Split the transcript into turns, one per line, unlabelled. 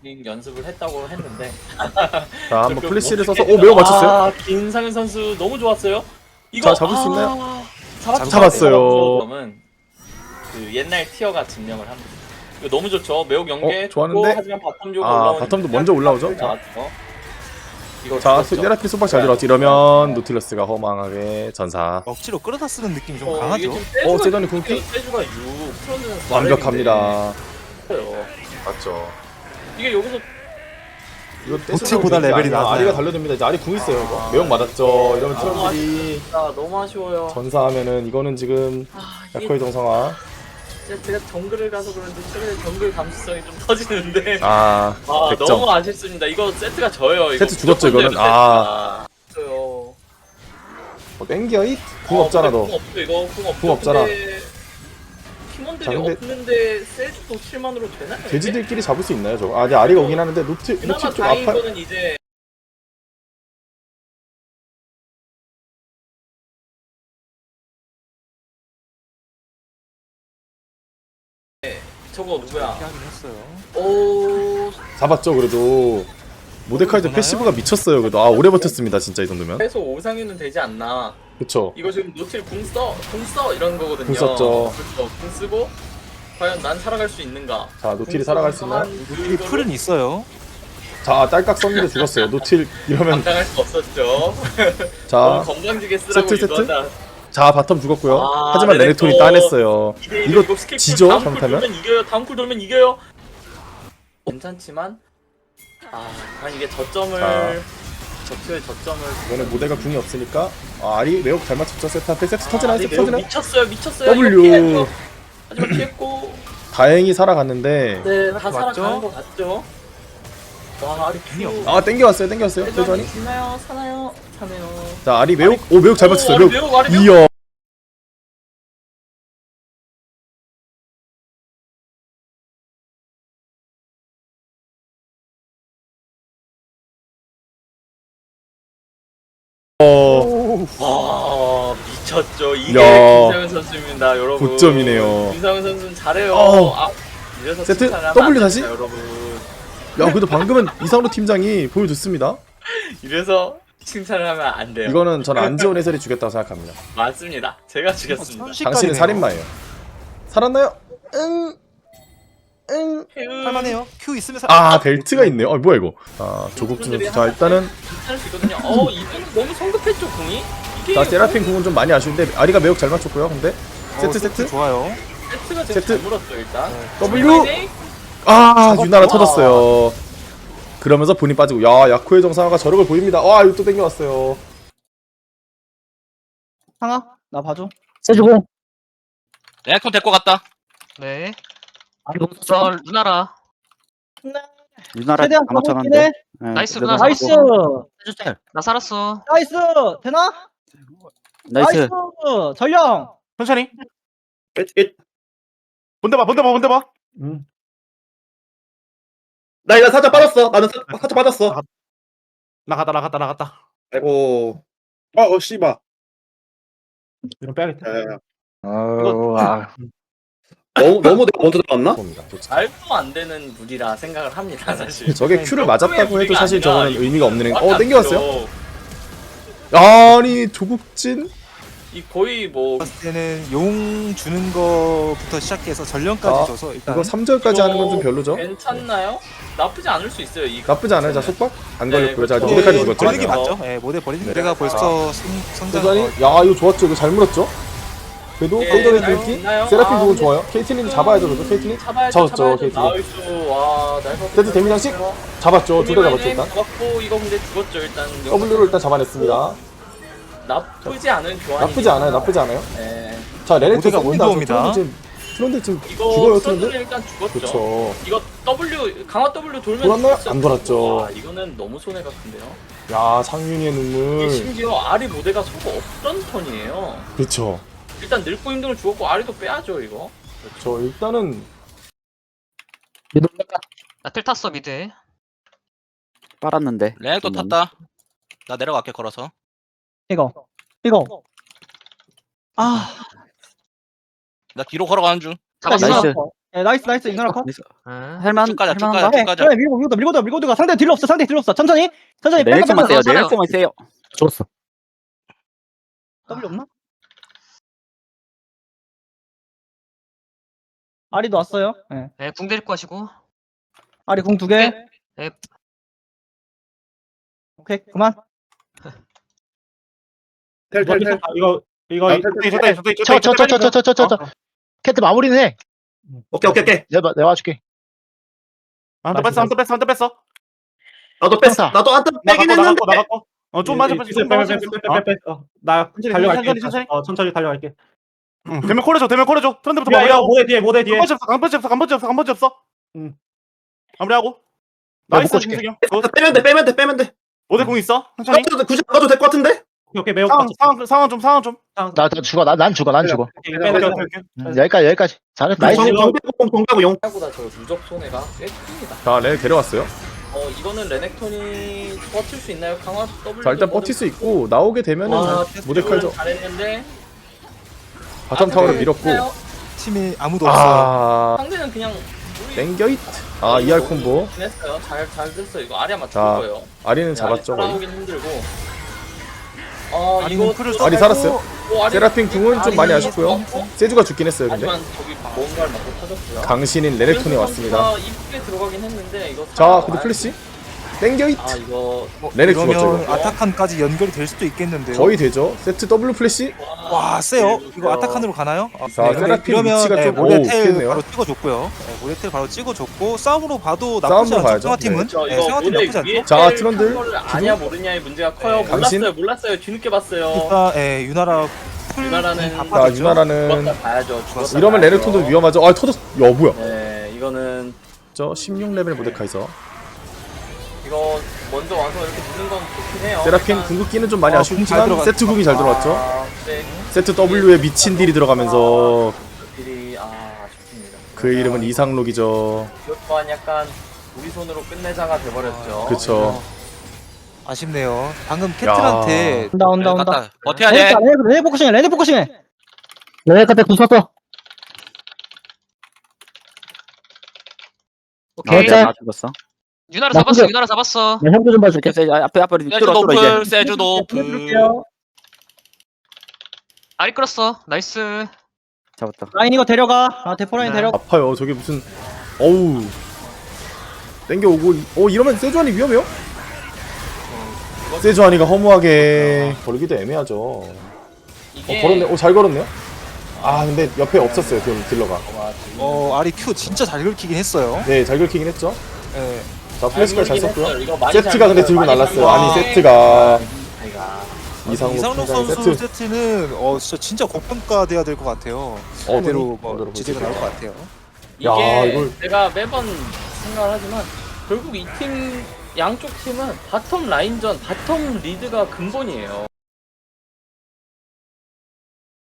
연습을 했다고 했는데
자, 한번
조금
플래시를
어떻게
써서 매우 맞췄어요.
아, 김상현 선수 너무 좋았어요. 이거
자, 잡을 수 있나요?
잡았어요. 그러면 그 옛날 티어가 증명을 합니다. 이거 너무 좋죠. 매우 연계
좋았는데?
좋고, 하지만 바텀 쪽으로
아,
올라오는
바텀도 먼저 올라오죠? 자.
이거
자,
죽었죠?
세라피 소박 잘 들어왔지. 이러면 노틸러스가 허망하게 전사.
억지로 끌어다 쓰는 느낌이 좀
이게
강하죠.
지금 세주가
세전이 궁극기?
세주가 6 프로는
완벽합니다.
있어요.
맞죠.
이게 여기서
이거
노틸보다 레벨이 낮아요.
아리가 달려듭니다. 이제 아리 궁 있어요. 이거. 매혹 맞았죠. 이러면 트런들이
진짜 너무 아쉬워요.
전사하면은 이거는 지금
이게
야코의 정상화.
제가 정글을 가서 그런지 최근에 정글 감수성이 좀 터지는데
아,
아
100점.
너무 아쉽습니다. 이거 세트가 져요. 이거
세트 죽었죠,
무조건
이거는?
져요,
아.
세트가. 져요.
땡겨 잇? 궁 없잖아 너.
궁 없죠 이거 궁 없죠.
궁 없잖아.
근데 팀원들이
자, 근데-
없는데 세트도 7만으로 되나요?
돼지들끼리 잡을 수 있나요 저거? 아, 이제 아리가 오긴 하는데 노틸
그나마
좀
다행인
아파요.
거는 이제 저거 누구야?
하긴 했어요.
오
잡았죠 그래도. 모데카이저
보나요?
패시브가 미쳤어요 그래도. 아, 오래 버텼습니다 진짜 이 정도면.
최소 5상위는 되지 않나.
그쵸.
이거 지금 노틸 궁써 이런 거거든요.
궁 썼죠.
그렇죠. 궁 쓰고 과연 난 살아갈 수 있는가?
자, 노틸이 살아갈 수 있나요?
노틸이 풀은 있어요.
자, 딸깍 썼는데 죽었어요. 노틸 이러면.
감당할 수 없었죠.
자,
너무 건강지게 쓰라고
세트, 세트?
유도한다.
자, 바텀 죽었고요.
아,
하지만
레넥톤.
레넥톤이 따냈어요. 이거
스킬
지죠?
다음 쿨
잘못하면?
돌면 이겨요. 다음 쿨 돌면 이겨요. 괜찮지만 과연 이게 저점을
자.
적표의 저점을
이번에 모델가 궁이 없으니까 아리 매혹 잘 맞췄죠. 세트한테 세트 터지나요?
아니,
세트
매우
터지나요?
미쳤어요.
W.
이거 피했죠. 하지만 피했고
다행히 살아갔는데.
네, 다
맞죠?
살아가는 것 같죠. 와, 아리 큐.
아, 땡겨왔어요. 세전이.
있나요? 사나요? 사네요.
자, 아리 매혹. 오, 매혹 잘 맞췄어요.
아리
매혹.
매혹, 아리 매혹.
이야.
와, 미쳤죠. 이게
야.
김상현 선수입니다, 여러분.
고점이네요.
김상현 선수는 잘해요.
어.
이래서
세트?
칭찬하면
W
안 됩니다,
다시?
여러분.
야, 그래도 방금은 이상로 팀장이 보여줬습니다.
이래서 칭찬을 하면 안 돼요.
이거는 저는 안지원 해설이 죽였다고 생각합니다.
맞습니다. 제가 죽였습니다.
당신은 살인마예요. 살았나요? 응.
할만해요. Q 있으면
아, 벨트가 있네요. 뭐야 이거. 아, 조국준 선수. 자, 일단은
괜찮을 수 있거든요. 이분은 너무 성급했죠, 궁이? 이게
자, 세라핀 궁은 좀 많이 아쉬운데 아리가 매혹 잘 맞췄고요. 근데 세트.
좋아요.
세트가 제일
세트.
잘 물었죠, 일단.
W. 아, 유나라 터졌어요. 그러면서 본인 빠지고. 야, 야코의 정상화가 저력을 보입니다. 와, 이거 또 땡겨왔어요.
상아 나 봐줘.
세주공.
레넥톤 데리고 갔다.
네.
아, 너무 써.
루나라.
유나라
최대한
다
가고 있긴
맞춰놨는데.
해.
네,
나이스,
그래도
누나.
나이스
세주 짤. 나 살았어.
나이스 되나?
나이스.
전령.
천천히. 본대 봐.
나 이거 살짝 빠졌어. 나는 살짝 빠졌어.
나갔다.
아이고. 씨발.
이런 빼야겠다.
야.
아,
너무 내가 먼저 들어갔나?
봅니다. 도대체.
말도 안 되는 무리라 생각을 합니다, 사실.
저게 큐를 맞았다고 해도 사실
무리가 아니라
저거는 의미가 없는 행.
말이 안
땡겨왔어요.
되죠.
아니, 조국진.
이 거의 뭐
봤을 때는 용 주는 거부터 시작해서 전령까지
아,
줘서 일단
이거 3절까지 하는 건 좀 별로죠?
괜찮나요? 나쁘지 않을 수 있어요. 이
나쁘지 않아요. 자, 속박? 안
네,
걸렸고요. 자,
그렇죠.
모데카지
네,
죽었죠.
버리는 게
맞아요.
맞죠? 예, 모델 버리는
네.
게 내가 벌써 성장.
세전이. 야, 이거 좋았죠. 이거 잘 물었죠? 그래도
예,
페이더웨이
잘
뚫기.
있나요?
세라핀
아,
궁은
근데
좋아요. 케이틀린 잡아야죠. 그래도 케이틀린. 잡았죠, 케이틀린.
나이스. 와, 날것
세트 데미장식 잡았죠. 둘 다 잡았죠, 일단.
잡았고 이거 근데 죽었죠, 일단.
W를 일단 잡아냈습니다.
나쁘지 않은 교환이.
나쁘지 않아요. 나쁘지 않아요.
네.
자, 레넥톤
모두가
쏩니다.
원더입니다.
트런드 지금
이거
죽어요,
트런드는
트런드.
일단 죽었죠.
그렇죠.
이거 W 강화 W 돌면
돌았나요?
죽었죠.
안 돌았죠.
와, 이거는 너무 손해가 큰데요.
야, 상윤이의
이게
눈물.
심지어 아리 모델가 소가 없던 턴이에요.
그렇죠.
일단 늙고 힘든 걸 죽었고 아리도 빼야죠 이거.
저 일단은
나틀 탔어 미드.
빨았는데.
레넥톤 탔다. 나 내려갈게 걸어서.
이거. 아
나 뒤로 걸어가는 중.
나이스.
잡았어.
예, 나이스 유나라 컷.
할만
쭉 가자, 쭉
할만한가?
가자.
네,
가자.
그래 밀고 들어가. 상대 딜 없어. 천천히
내일성만 세요.
살아.
내일성만 세요. 좋았어.
W 없나? 아리도 왔어요. 예.
네, 궁 데리고 가시고.
아리 궁 2개.
네.
오케이 그만.
텔.
이거
저. 캐트 마무리는 해.
오케이.
내가 와줄게.
한대 뺐어.
나도 뺐어.
평타.
나도 한타 빼긴 했는데.
나갔고. 좀 맞아.
나
달려갈게. 천천히 달려갈게. 대면 콜해줘. 트런드부터 마무리하고. 모대 뒤에. 간번지 없어. 마무리하고. 나이스
묶어줄게.
신승이 형.
빼면 돼.
모대 공 있어. 천천히.
굳이 안 가도 될 것 같은데?
오케이 매우 상황 좀.
나 죽어. 난 죽어.
오케이.
여기까지. 잘했다. 나이스.
정비하고 용.
생각보다 저 누적 손해가 꽤 큽니다.
자 레네 데려왔어요.
이거는 레넥톤이 버틸 수 있나요? 강화 W.
자 일단 버틸 수 있고 나오게 되면은 모데카이저
잘했는데
바텀 타워를 밀었고.
팀이 아무도 없어요.
아
상대는 그냥
땡겨잇. 아 ER 콤보.
했어요. 잘 됐어요. 이거 아리아 맞출
자,
거예요.
아리는 잡았죠. 거의.
따라오긴 힘들고.
아리는
이거
풀을
아리 살았어요.
아리-
세라핀 궁은 좀 많이
아리
아쉽고요.
맞고,
세주가 죽긴 했어요. 근데
하지만 저기 뭔가를 맞고 터졌고요.
강신인 레넥톤이 왔습니다.
이쁘게 들어가긴 했는데 이거.
자 근데 플래시 땡겨잇.
이거
레넥 죽었죠
그러면
이거.
아타칸까지 연결이 될 수도 있겠는데요.
거의 되죠. 세트 W 플래시.
와 세요. 이거 아타칸으로 가나요?
자,
근데
세라핀
이러면,
위치가 좀-
모데텔
피했네요.
바로 찍어줬고요. 모데텔 바로 찍어줬고 싸움으로 봐도 나쁘지
싸움으로
않죠.
봐야죠.
승화팀은.
저
네,
이거
승화팀
모델
나쁘지 않죠.
위에
자,
텔
트런들.
한 거를 아냐 모르냐의 문제가 커요.
강신.
몰랐어요. 뒤늦게 봤어요.
일단 유나라
유나라는
자
바빠졌죠.
유나라는
죽었다 봐야죠. 죽었다
이러면
봐야죠.
레넥톤도 위험하죠. 아 터졌. 야 뭐야?
네, 이거는
저 16레벨 모데카이저.
이거 먼저 와서 이렇게 누는 건 좋긴 해요.
세라핀
일단-
궁극기는 좀 많이
궁잘
아쉽지만
들어갔-
세트 궁이 잘 들어갔죠.
네,
세트 W에 미친 딜이 들어가면서
딜이 아쉽습니다.
그의 이름은 이상록이죠.
이것 또한 약간 우리 손으로 끝내자가 돼버렸죠.
그쵸.
아쉽네요. 방금 캐틀한테
온다.
갔다. 버텨야 돼.
레네 포커싱해.
내가 그때 궁 썼어.
오케이.
자.
나 죽었어.
유나라
나
잡았어.
혼자-
유나라 잡았어.
나 형도 좀 봐줄게.
앞에
세주
뚫어 이제.
노플. 세주 노플.
해줄게요.
아리 끌었어. 나이스.
잡았다.
라인 이거 데려가. 데포라인
네.
데려가.
아파요. 저게 무슨 어우 땡겨오고 이러면 세주안이 위험해요? 세주안이가 허무하게 걸기도 애매하죠.
이게
걸었네. 잘 걸었네요. 아 근데 옆에 없었어요. 딜러가.
아리 큐 진짜 잘 긁히긴 했어요.
네, 잘 긁히긴 했죠.
예.
자 플래시까지 잘 썼고요.
썼고요.
세트가 근데 들고 날랐어요. 아니 세트가 이상록
이상록
팀장의
선수
세트.
세트는 진짜 고평가돼야 될 것 같아요. 그대로 뭐 지지가 나올 것 같아요.
이게
야, 이걸-
제가 매번 생각을 하지만 결국 이 팀 양쪽 팀은 바텀 라인전 바텀 리드가 근본이에요.